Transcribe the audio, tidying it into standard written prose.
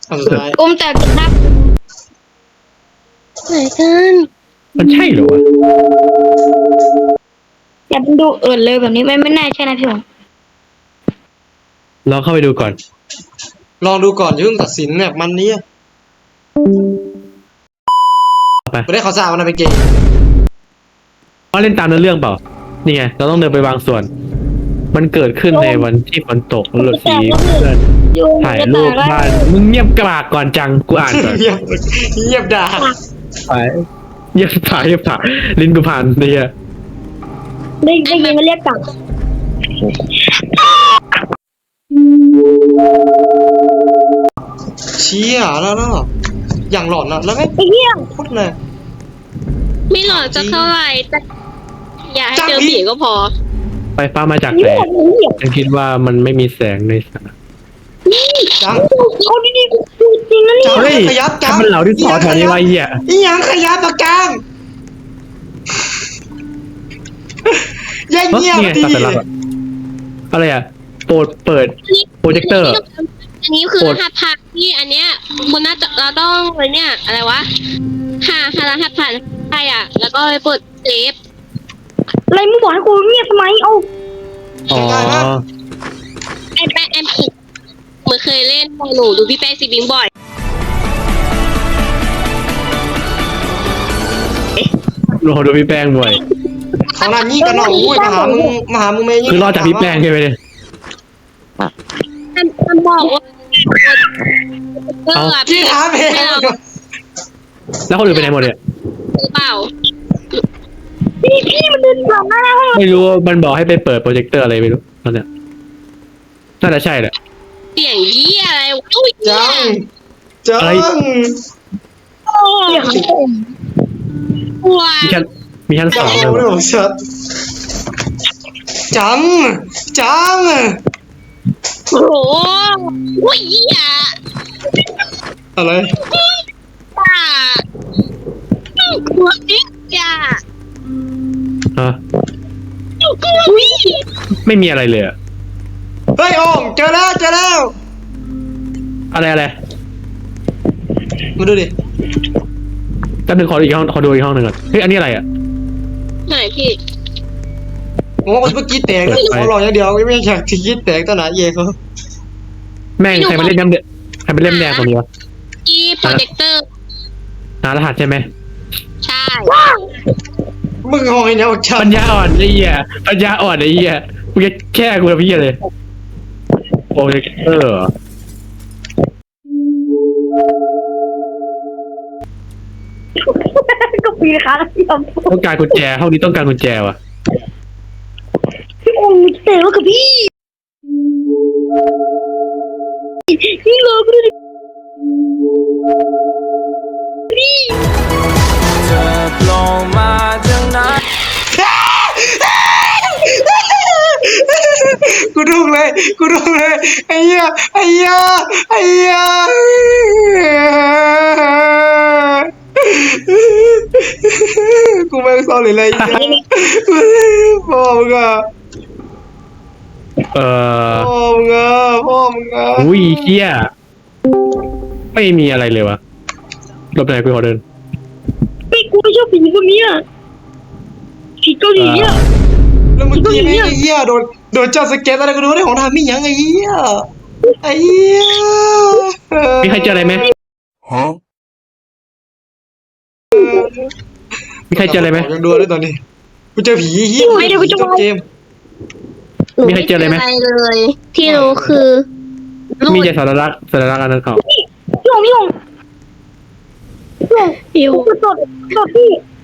อันสุดท้ายอุ้มแต่ภาพไหนกันมันใช่เหรอวะอย่าดูเลยแบบนี้ไม่น่าใช่นะพี่หงลองเข้าไปดูก่อนลองดูก่อนอย่าเพิ่งตัดสินเนี่ยมันนี้เอาไปไม่ได้เขาสร้างมันเป็นเกมว่าเล่นตามเนื้อเรื่องเปล่านี่ไงเราต้องเดินไปบางส่วน มันเกิดขึ้นในวันที่ฝนตกรถสีเพื่อนถ่ายรูปบ้านมึงเงียบกรากก่อนจังกูอ่านก่อนเงียบด่าไปเงียบถ่ายลิ้นกูผ่านเนี่ยได้ยินมันเรียกกลับเชี่ยแล้วอย่างหลอนอะแล้วไม่ไอ้เหี้ยพูดเลยไม่หลอนจะเท่าไหร่แต่อย่าให้เจอผีก็พอไฟฟ้ามาจากเหี้แสยงเหี้ยฉันคิดว่ามันไม่มีแสงในสระจังเอาดีๆกูจริงนะเนี่ยจังเฮ้ยขยับจังถ้ามันเหล่าที่สอแถวนี้ไว้เหี้ยอีหยังขยับปากกางอย่าเฮ้ยเงียบนี่ไงดิตัดแต่ละอะไรอ่ะโปรดเปิดโปรเจคเตอร์อันนี้คือโปรรดหัสผ่านที่อันเนี้ยมันน่าจะเราต้องอะไรเนี่ยอะไรวะรหัสผ่านใช่อ่ะ แล้วก็ไปเปิดเซฟอะไรมึงบอกให้กูเงียบทำไมเอาอ๋อไอ้แป้งไอ้ผีเหมือนเคยเล่นหนูดูพี่แป้งซีบิงบ่อยโหดูพี่แป้งบ่อยเขาหน้านี้กันเนาะอุ้ยมาหามึงเมย์คือรอดจากพี่แป้งใช่ไหมเนี่ยมันบอกว่าที่ถามเองแล้วคนอื่นไปไหนหมดเนี่ยหรือเปล่าพี่มันเดินผ่านหน้าห้องไม่รู้ว่ามันบอกให้ไปเปิดโปรเจคเตอร์อะไรไม่รู้ตอนเนี้ยน่าจะใช่แหละเสียงเหี้ยอะไรวะอุ้ยเหี้จัยงจังอะไรเดี๋ยวว้ามีชั้นสจัอง งเลยไม่บอกชัดจังโอ้โหอุ้ยเหี้ยอะไรป่าขวดนิดจ้าฮะอุ้ยไม่มีอะไรเลยอะเฮ้ยโอมเจอแล้วอะไรมาดูดิก็นึงขอดูอีกห้องหนึ่งก่อนเฮ้ยอันนี้อะไรอ่ะไหนพี่ผมว่าเมื่อกี้แตกแล้วเขาหลอกอย่างเดียวไม่อยากที่คิดแตกตอนไหนเย่เขาแม่งใครมาเล่นน้ำเดือดใครมาเล่นแดงตรงนี้วะที่โปรเจคเตอร์หารหัสใช่ไหมใช่มึงหอยเนี่ยชัดปัญญาอ่อนไอ้เหี้ยปัญญาอ่อนไอ้เหี้ยมึงจะแค่กูกับพี่เลยโปรเจคเตอร์ก็ปีนะคะพี่อมต้องการกุญแจห้องนี้ต้องการกุญแจวะพี่อมเตะแล้วกับพี่นี่เลยก็ได้เธอโผล่มาจากไหนกูถูกเลยไอ้เหี้ยกูไม่เศร้าเลยไอ้เหี้ยพ่อมึงอะพ่อมึงอะอุ้ยเหี้ยไม่มีอะไรเลยวะหลบไหนกูขอเดินพี่กูไม่ชอบผีพวกนี้อ่ะผีเกาหลีอ่ะแล้วเมื่อกี้ไอ้เหี้ยโดนจับสเก็ตอะไรกูดูได้ของทำไม่ยังไอ้เหี้ยมีใครเจออะไรไหมมีใครเจออะไรไหมยังดูได้ตอนนี้กูเจอผีเหี้ยจบเกมมีใครเจออะไรไหมเลย ที่รู้คือรูมีดแต่สัญลักษณ์อันนั้นเขาพี่หงพี่หงฟิวกูตดพี่